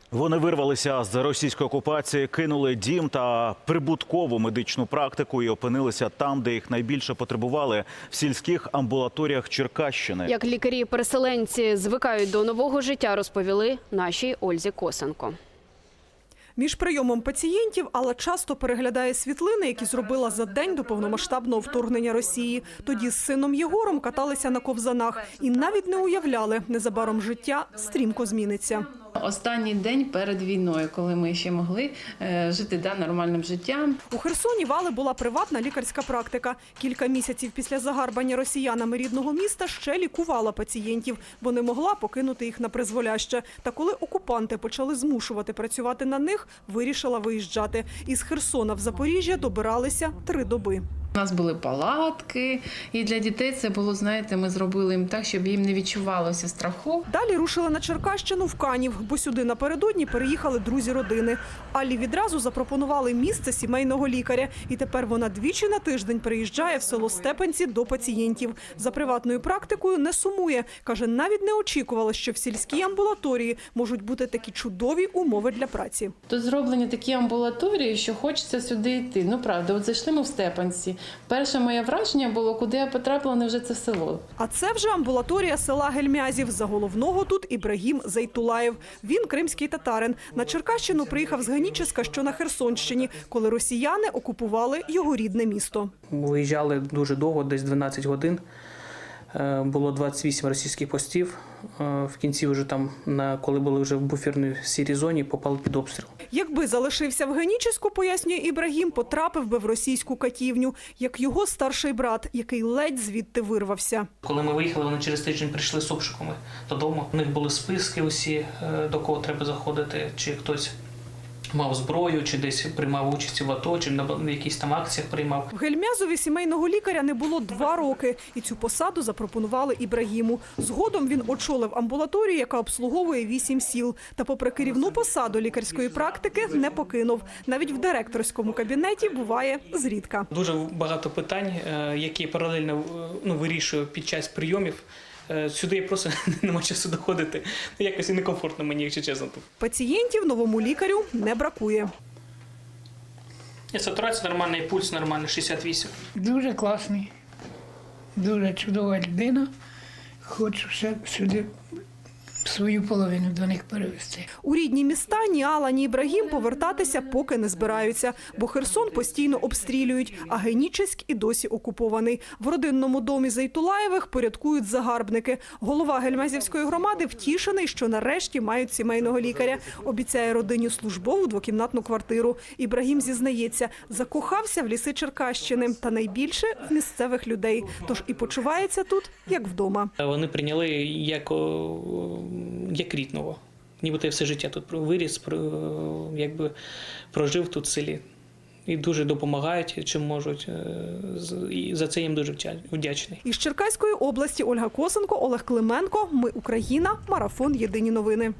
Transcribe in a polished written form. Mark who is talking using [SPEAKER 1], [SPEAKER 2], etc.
[SPEAKER 1] Вони вирвалися з російської окупації, кинули дім та прибуткову медичну практику і опинилися там, де їх найбільше потребували – в сільських амбулаторіях Черкащини.
[SPEAKER 2] Як лікарі-переселенці звикають до нового життя, розповіли нашій Ользі Косенко.
[SPEAKER 3] Між прийомом пацієнтів Алла часто переглядає світлини, які зробила за день до повномасштабного вторгнення Росії. Тоді з сином Єгором каталися на ковзанах і навіть не уявляли, незабаром життя стрімко зміниться.
[SPEAKER 4] Останній день перед війною, коли ми ще могли жити нормальним життям.
[SPEAKER 3] У Херсоні в Алли була приватна лікарська практика. Кілька місяців після загарбання росіянами рідного міста ще лікувала пацієнтів, бо не могла покинути їх на призволяще. Та коли окупанти почали змушувати працювати на них, вирішила виїжджати. Із Херсона в Запоріжжя добиралися 3 доби.
[SPEAKER 4] У нас були палатки, і для дітей це було, знаєте, ми зробили їм так, щоб їм не відчувалося страху.
[SPEAKER 3] Далі рушили на Черкащину в Канів, бо сюди напередодні переїхали друзі родини. Аллі відразу запропонували місце сімейного лікаря. І тепер вона двічі на тиждень приїжджає в село Степанці до пацієнтів. За приватною практикою не сумує. Каже, навіть не очікувала, що в сільській амбулаторії можуть бути такі чудові умови для праці.
[SPEAKER 4] Тут зроблені такі амбулаторії, що хочеться сюди йти. Ну, правда, от зайшли ми в Степанці. Перше моє враження було, куди я потрапила, невже це село.
[SPEAKER 3] А це вже амбулаторія села Гельмязів. За головного тут Ібрагім Зейтулаєв. Він кримський татарин. На Черкащину приїхав з Геніческа, що на Херсонщині, коли росіяни окупували його рідне місто.
[SPEAKER 5] Виїжджали дуже довго, десь 12 годин. Було 28 російських постів. В кінці, вже там, коли були вже в буферній сірій зоні, попали під обстріл.
[SPEAKER 3] Якби залишився в Генічеську, пояснює Ібрагім, потрапив би в російську катівню, як його старший брат, який ледь звідти вирвався.
[SPEAKER 5] Коли ми виїхали, вони через тиждень прийшли з обшуками додому. У них були списки усі, до кого треба заходити, чи хтось мав зброю, чи десь приймав участь в АТО, чи на якісь там акціях приймав.
[SPEAKER 3] В Гельмязові сімейного лікаря не було 2 роки, і цю посаду запропонували Ібрагіму. Згодом він очолив амбулаторію, яка обслуговує 8 сіл. Та попри керівну посаду лікарської практики не покинув. Навіть в директорському кабінеті буває зрідка.
[SPEAKER 5] Дуже багато питань, які паралельно вирішую під час прийомів. Сюди я просто нема часу доходити. Якось і некомфортно мені, якщо чесно.
[SPEAKER 3] Пацієнтів новому лікарю не бракує.
[SPEAKER 5] Сатурація нормальна, і пульс нормальний, 68.
[SPEAKER 6] Дуже класний, дуже чудова людина. Хочу ще сюди свою половину до них перевести.
[SPEAKER 3] У рідні міста ні Алла, ні Ібрагім повертатися поки не збираються, бо Херсон постійно обстрілюють, а Генічеськ і досі окупований. В родинному домі Зейтулаєвих порядкують загарбники. Голова Гельмязівської громади втішений, що нарешті мають сімейного лікаря. Обіцяє родині службову 2-кімнатну квартиру. Ібрагім зізнається, закохався в ліси Черкащини та найбільше в місцевих людей. Тож і почувається тут, як вдома.
[SPEAKER 5] Вони прийняли як рідного. Нібито я все життя тут виріс, якби прожив тут в селі. І дуже допомагають, чим можуть. І за це їм дуже вдячний.
[SPEAKER 3] Із Черкаської області Ольга Косенко, Олег Клименко. Ми Україна. Марафон. Єдині новини.